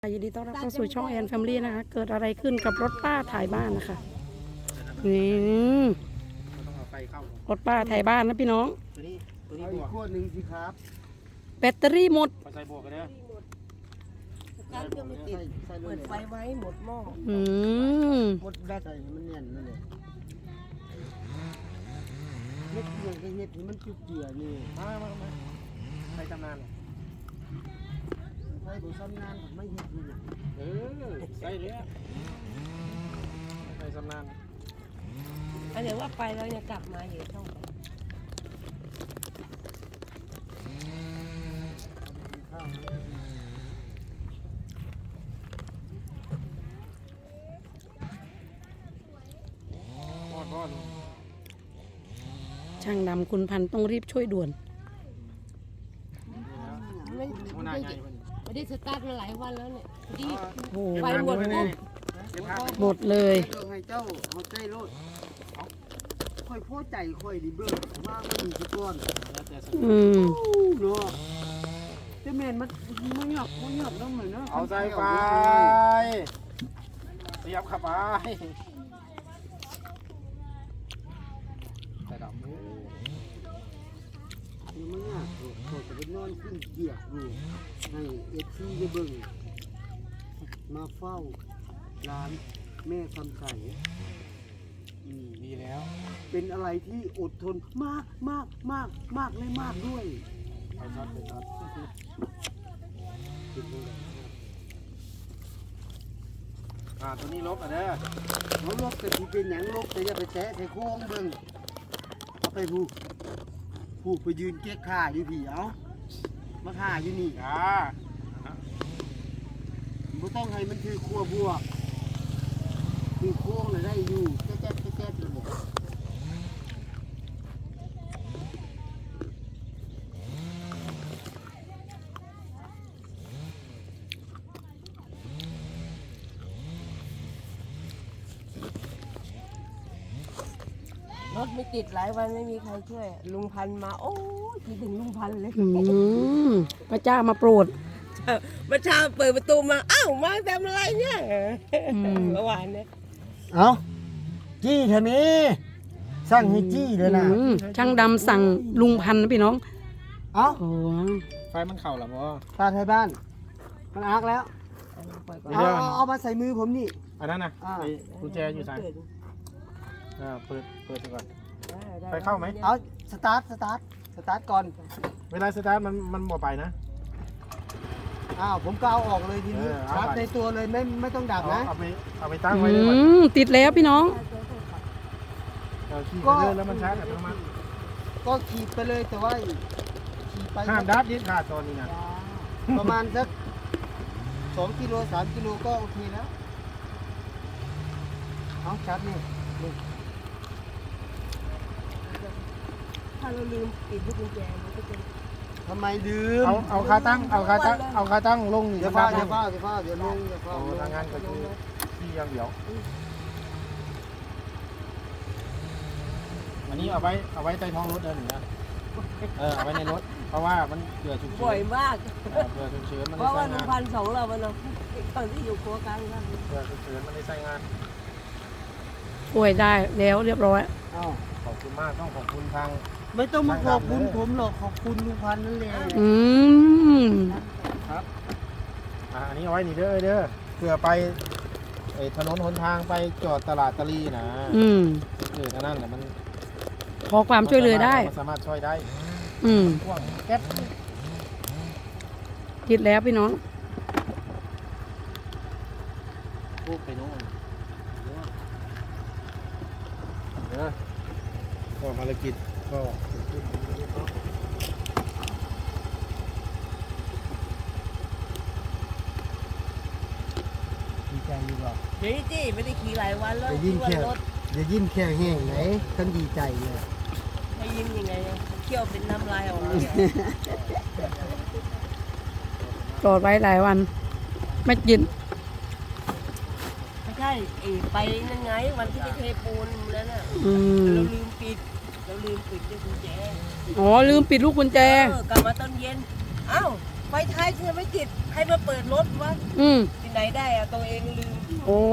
ยินดีต้อนรับเข้าสู่ช่องแอนแฟมิลี่นะคะเกิดอะไรขึ้นกับรถป้าถ่ายบ้านนะคะนี่รถป้าถ่ายบ้านนะพี่น้องตัวนี้บวกขั้วหนึ่งสิครับแบตเตอรี่หมดใส่บวกกันเนี่ยการเครื่องไม่ติดเปิดไฟไว้หมดหม้อหมดแบตใส่มันแน่นนั่นเลยเฮ็ดเรื่องเฮ็ดให้มันจุดเจือนี่มาใส่ตำนานใส่บุษำนานไม่เฮ็ดนี่ใส่เลยใส่ตำนานอันเดี๋ยวว่าไปแล้วจะกลับมาอยู่ช่องช่างดำคุณพันต้องรีบช่วยด่วนไม่ได้สตาร์ทมาหลายวันแล้วเนี่ยดีไฟหมดหมดเลยให้เจ้าเอาใจรถค่อยพอใจค่อยดีเบิ่งว่ามันมีสิก่อนเนาะแต่แม่นมันหยับแล้วเหมือนเนาะเอาใส่ไฟเสียบเข้าไปใส่ดำมันยากเขาจะไปนอนขึ้นเกียกอยู่ให้เอฟซีได้เบิ่งมาเฝ้าร้านแม่คำใสดีแล้วเป็นอะไรที่อดทนมากเลยมากด้วยไปช็อตตัวนี้ลบอ่ะเด้อเขาลบแต่ที่เป็นอย่างลบแต่อย่าไปแตะใส่โค้งเบิ่งเอาไปผู้ไปยืนเก๊กข่าอยู่พี่เอามาข่าอยู่นี่ไม่ต้องให้มันคือครัวบัวคือโค้งเลยได้อยู่แจ๊บเลยรถไม่ติดหลายวันไม่มีใครช่วยลุงพันมาโอ้ยคิดถึงลุงพันเลยพระเจ้ามาโปรดเมื่อเช้าเปิดประตูมาอ้าวมาทำอะไรเนี่ยเมื่อวานเนี่ยเอาจี้เถอะนี่สั่งให้จี้เลยนะช่างดำสั่งลุงพันนะพี่น้องเอาไฟมันเข่าหรอวะตาไทยบ้านมันอักแล้วเอามาใส่มือผมนี่อันนั้นนะกุญแจอยู่ใส่เปิดก่อนไปเข้าไหมเอาสตาร์ทก่อนเวลาสตาร์ทมันหมดไปนะผมก็เอาออกเลยทีนี้ชาร์จในตัวเลยไม่ต้องดับนะเอาไปตั้งไว้เลยติดแล้วพี่น้องขี่ไปเลยแล้วมันชาร์จอัตโนมัติก็ขี่ไปเลยแต่ว่าขี่ไปห้ามดับยึดขาดตอนนี้นะประมาณสัก2 กิโล 3 กิโลก็โอเคแล้วเอาชาร์จนี่ถ้าเราลืมปิดลูกกุญแจมันก็จะทำไมลืมเอาขาตั้งลงเดี๋ยวฟ้าเดี๋ยวลงเดี๋ยวทางงานก็คือที่ยังเดี๋ยวอันนี้เอาไว้ใต้ท้องรถเดินนะเอาไว้ในรถเพราะว่ามันเกิดฉุกเฉินบ่อยมากเกิดฉุกเฉินมันเพราะว่าลุงพัน2เรามันตอนที่อยู่ครัวกลางนั่นเกิดฉุกเฉินมันได้ใช้งานป่วยได้แล้วเรียบร้อยขอบคุณมากต้องขอบคุณทางไม่ต้องมาขอบคุณผมหรอกขอบคุณลุงพันนั่นแหละครับอันนี้เอาไว้นี่เด้อเพื่อไปถนนหนทางไปจอดตลาดตะลีนะนั่นแหละมันขอความช่วยเหลือได้สามารถช่วยได้พ่วงแก๊สติดแล้วพี่น้องพูดไปโน่นก็ภารกิจก็ดีใจอยู่หรอเดี๋ยวจี้ไม่ได้ขี่หลายวันแล้วอย่ายิ้มแค่แห้งไหนท่านดีใจเลยให้ยิ้มยังไงเคี่ยวเป็นน้ำลายออกมาจอดไว้หลายวันไม่ยินไม่ใช่ไปนั่นไงวันที่ไปเทปูนแล้วน่ะเราลืมปิดลูกกุญแจลืมปิดลูกกุญแจกลับมาตอนเย็นอ้าวไฟท้ายเธอไม่ติดใครมาเปิดรถวะอืมที่ไหนได้อะตัวเองลืมโอ้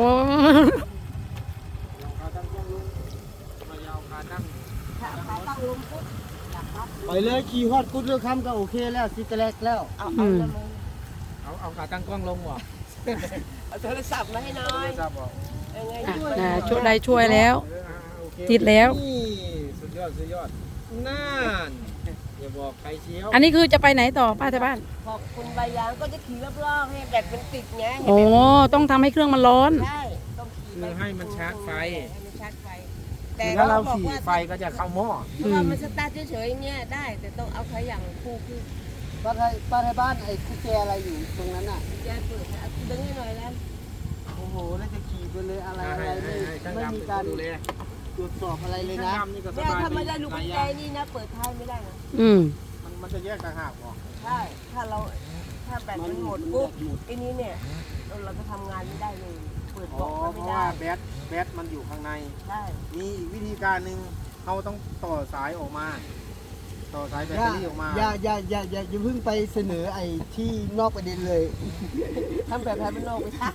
ขาตั้งกล้องลงมายาวขาตั้งขาตั้งลมปุ๊บอยากปั๊บไปเลยขี่ฮอดกุดเรือคำก็โอเคแล้วสิกระแลกแล้วเอาแล้วมึงเอาขาตั้งกล้องลงบ่เอาโทรศัพท์มาให้หน้อยทราบบ่ยังไงอ่ะช่วยช่วยได้ช่วยแล้วโอเคติดแล้วนี่สุดยอดนั่นอย่าบอกใครเชียวอันนี้คือจะไปไหนต่อป้าที่บ้านขอบคุณใบยางก็จะขี่รอบๆให้แบตมันติดไงโอ้ต้องทำให้เครื่องมันร้อนใช่ต้องขี่คือให้มันชาร์จไฟให้มันชาร์จไฟแต่ถ้าเราบอกขี่ว่าไฟก็จะเข้าหม้อถ้าเรามันสตาร์ทเฉยๆเนี่ยได้แต่ต้องเอาขยันคู่คือป้าไทยบ้านไอ้กุญแจอะไรอยู่ตรงนั้นอ่ะยายเปิดนะดึงให้หน่อยแล้วโอ้โหแล้วจะขี่ไปเลยอะไรให้ไม่ช่างไม่ดำมีเป็นการคนดูแลตรวจสอบอะไรเลยช่างนะดำนี่ก็สเนี่ยบายถ้าไม่ได้ดีลูกหลากุยญอแจย่างนี่นะเปิดท้ายไม่ได้นะอืมมันจะแยกต่างหากบ่ใช่ถ้าเราถ้าแบตมันหมดปุ๊บไอ้นี้เนี่ยเราจะทำงานไม่ได้เลยเปิดอ๋บอล็อกเพไม่ราะได้ว่าแบตมันอยู่ข้างในใช่มีอีกวิธีการหนึ่งเขาต้องต่อสายออกมา ต่อสายแบตอย่าเตอรี่ออกมาอย่าเพิ่งไปเสนอไอ้ที่นอกประเด็นเลยทำแบบไทยเป็นโลกไม่ใช่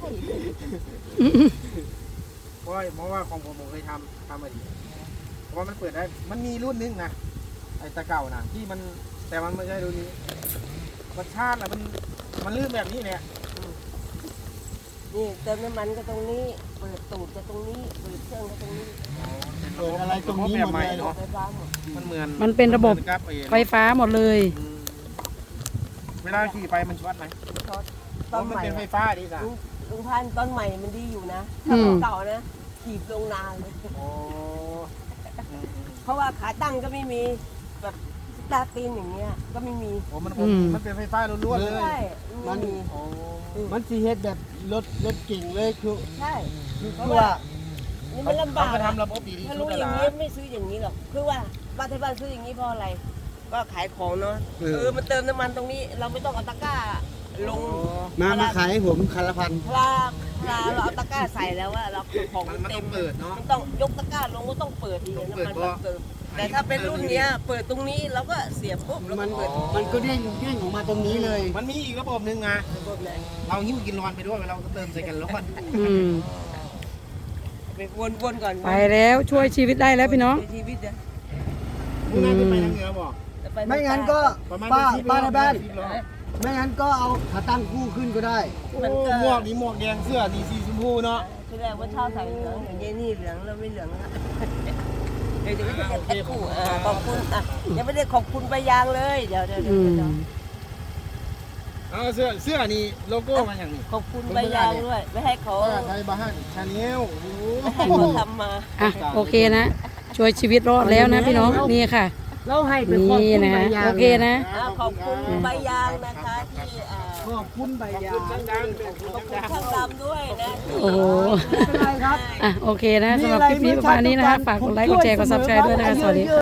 เพราะว่าของผมเคยทำมาดีเพราะว่ามันเปิดได้ มันมีรุ่นนึงนะไอ้ตะเก่านะที่มันแต่มันไม่ใช่รุ่นนี้มันชาตินะมันลื่นแบบนี้เนี่ยนี่เติมน้ำมันก็ตรงนี้เปิดตูดก็ตรงนี้เปิดเครื่องก็ตรงนี้เปิดอะไรตรงนี้แบบใหม่หมดเลยเนาะไฟฟ้าหมดมันเหมือนมันเป็นระบบหมือกับไฟฟ้าหมดเลยอืมเวลาขี่ไปมันช็อตไหมช็อตเพตอนราะมันใหม่เป็นไฟฟ้าดีจ้ะลุงพันธุ์ตอนใหม่มันดีอยู่นะอืถ้าม ของเก่านะขี่ลงนานเลยโอ้อืมเพราะว่าขาตั้งก็ไม่มีแบบสตาร์ทตีนอย่างเงี้ยก็ไม่มีโอ้มันเป็นไฟฟ้าล้วนๆเลยใช่ไม่มีโอ้มันสีเฮ็ดแบบรถเก่งเลยคือใช่คือว่านี่มันลำบากเขาอะทำระบบดีที่ถ้าสุรู้ดอแล้วย่างล่ะนี้ไม่ซื้ออย่างนี้หรอกคือว่าบ้านที่บ้านซื้ออย่างนี้เพราะอะไร ก็ขายของเนาะมันเติมน้ำมันตรงนี้ เราไม่ต้องเอาตะกร้าลงมาขายให้ผมคันละพันเวลาเราเอาตะกร้าใส่แล้วว่าเราของมันเต็ต้อมงเปิดเนาะมันต้องยกตะกร้าลงก็ต้องเปิดทีต้องน้ำเปิดมันเพราะเติมแต่ถ้าเป็นรุ่นเนี้ยเปิดตรงนี้เราก็เสียบปุ๊บแล้วมัก็นเปิดมันก็เด้งออกมาตรงนี้เลยมันมีอีกระบบหนึ่งนะเราหิ้วกินร้อนไปด้วยเราก็เติมใส่กันร้อนอืมไปวนๆก่อนไปแล้วช่วยชีวิตได้แล้วพี่น้องในชีวิตเนี่ยมึงน่าจะไปทางเหนือบอกจะปไม่งั้นก็ประมาณป้าในบ้าน 10ล้อไม่งั้นก็เอาขาตั้งคู่ขึ้นก็ได้โอ้หมวกนี่หมวกแดงเสื้อนี่สีชมพูเนาะที่แรกว่าเช่าใส่เหลืองอย่างเงี้ยนี่เหลืองแล้วไม่เหลืองละเดี๋ยวจะไม่ได้แพ็คคู่ขอบคุณอ่ะยังไม่ได้ขอบคุณไปยางเลยเดี๋ยวอืมเอาเสื้อนี่โลโก้มันอย่างนี้ขอบคุณใบยางด้วยไม่ให้เขาป้าไทยบ้านชาแนลไม่ให้เขาทำมาอ่ะโอเคนะ ช่วยชีวิตรอดแล้วนะพี่น้องนี่ค่ะเราให้เป็นขอบนี่คุณนะใบคะยางโอเคนะขอบคุณใบยางนะคะที่ขอบคุณใบยางช่างดังขอบคุณช่างดำด้วยนะโอ้โหไม่เป็นไรครับอ่ะโอเคนะสำหรับคลิปนี้ประมาณนี้นะคะฝากกดไลค์กดแชร์กดซับสไครต์ด้วยนะคะสวัสดีค่ะ